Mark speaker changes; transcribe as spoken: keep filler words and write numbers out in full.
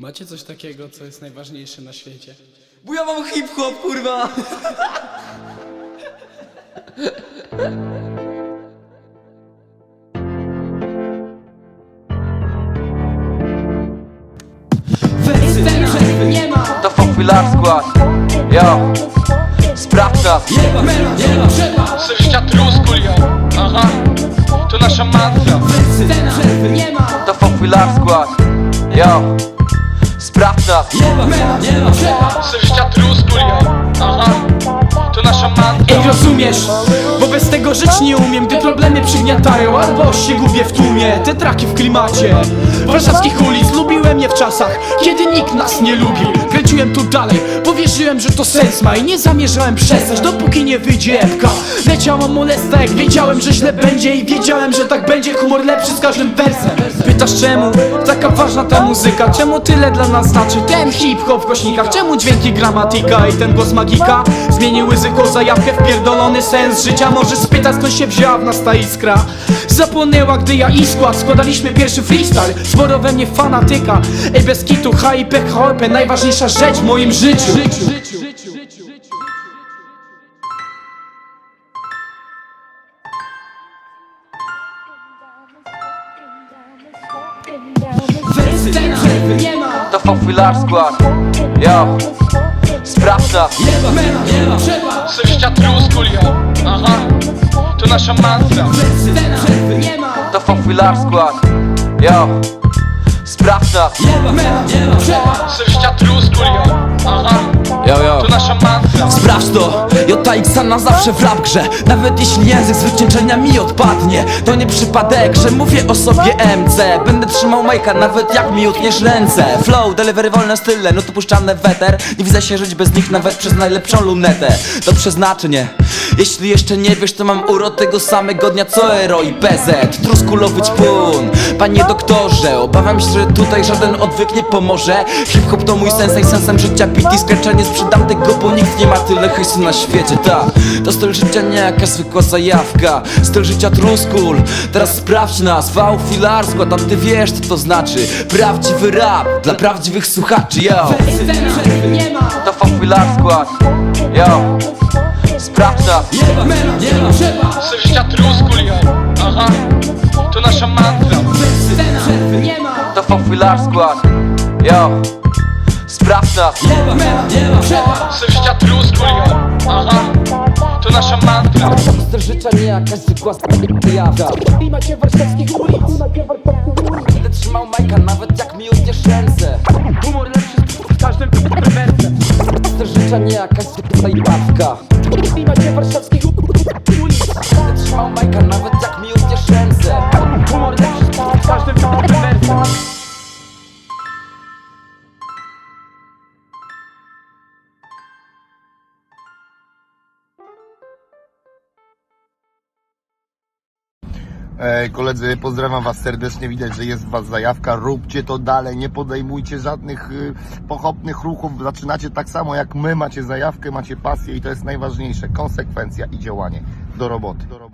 Speaker 1: Macie coś takiego, co jest najważniejsze na świecie?
Speaker 2: Bo ja mam hip-hop, kurwa!
Speaker 1: Wersy przerwy nie ma!
Speaker 2: To Fochwilar skład, yo! Sprawdź nas!
Speaker 1: Nie ma, nie ma, trzeba!
Speaker 3: Sześcia trusku, yo, aha, to nasza mantra.
Speaker 1: Wersy przerwy nie ma!
Speaker 2: To Fochwilar skład, yo! Sprawdź nas!
Speaker 1: Nie ma, nie ma, trzeba!
Speaker 3: Sześcia trusku, yo, aha, to nasza mantra.
Speaker 1: Ej, rozumiesz? Bo bez tego żyć nie umiem, gdy problemy przygniatają albo się gubię w tłumie. Te traki w klimacie warszawskich ulic, lubiłem je w czasach, kiedy nikt nas nie lubił. Kręciłem tu dalej, powierzyłem, że to sens ma i nie zamierzałem przestać, dopóki nie wyjdzie epka. Leciała molesta, jak wiedziałem, że źle będzie i wiedziałem, że tak będzie, humor lepszy z każdym wersem. Pytasz czemu taka ważna ta muzyka, czemu tyle dla nas znaczy ten hip-hop w głośnikach, czemu dźwięki gramatika i ten głos magika zmieniły zwykłą zajawkę w pierdolony sens życia. Możesz spytać, skąd się wzięła w nas ta iskra. Zapłonęła, gdy ja i skład składaliśmy pierwszy freestyle. Sporo we mnie fanatyka, ej bez kitu, H I P H P, najważniejsza rzecz w moim życiu. Wersy przerwy nie ma!
Speaker 2: To Fochwilar skład, yo! Sprawdź nas!
Speaker 1: Nie ma, nie ma, trzeba!
Speaker 3: Sześcia trusku, yo, aha, to nasza mantra.
Speaker 1: Wersy przerwy nie ma!
Speaker 2: To Fochwilar skład, yo! Sprawdź nas!
Speaker 1: Nie ma, nie ma, trzeba!
Speaker 3: Sześcia trusku, yo, aha,
Speaker 2: Yo, yo!
Speaker 3: to nasza mantra.
Speaker 4: Sprawdź to, J X na zawsze w rap grze. Nawet jeśli język zwyciężenia mi odpadnie, to nie przypadek, że mówię o sobie M C. Będę trzymał majka nawet jak mi utniesz ręce. Flow, delivery, wolne style, no to puszczane weter. Nie widzę się żyć bez nich nawet przez najlepszą lunetę. To przeznaczenie. Jeśli jeszcze nie wiesz, to mam urok tego samego dnia co Ero i P Z. Truskulowy ćpun, panie doktorze. Obawiam się, że tutaj żaden odwyk nie pomoże. Hip-hop to mój sensei, sensem życia. Beat i scratcha, nie sprzedam tego, bo nikt nie ma tyle hejsu na świecie. Ta, to styl życia nie jakaś zwykła zajawka. Styl życia truskul, teraz sprawdź nas. Fochwilar skład, a ty wiesz co to znaczy. Prawdziwy rap dla prawdziwych słuchaczy, yo!
Speaker 1: Wersy przerwy nie ma!
Speaker 2: To Fochwilar skład, yo! Sprawdź nas!
Speaker 1: Nie ma, nie ma, trzeba!
Speaker 3: Sześcia trusku, yo, aha, to nasza mantra.
Speaker 1: Wersy przerwy nie ma!
Speaker 2: To Fochwilar skład, yo! Sprawdź nas!
Speaker 1: Nie ma, nie ma, trzeba!
Speaker 3: Sześcia trusku, yo, aha, to nasza mantra.
Speaker 4: Styl życia nie jakaś zwykła zajawka.
Speaker 1: Klimacie warszawskich ulic!
Speaker 4: Będę trzymał majka nawet jak mi utniesz ręce.
Speaker 1: Humor lepszy w każdym wersem.
Speaker 4: Styl życia nie jakaś zwykła zajawka.
Speaker 1: Klimacie warszawskich ulic!
Speaker 4: Będę trzymał majka nawet jak mi utniesz ręce.
Speaker 1: Humor lepszy w każdym wersem.
Speaker 5: Ej, koledzy, pozdrawiam was serdecznie, widać, że jest w was zajawka, róbcie to dalej, nie podejmujcie żadnych y, pochopnych ruchów, zaczynacie tak samo jak my, macie zajawkę, macie pasję i to jest najważniejsze, konsekwencja i działanie. Do roboty. Do roboty.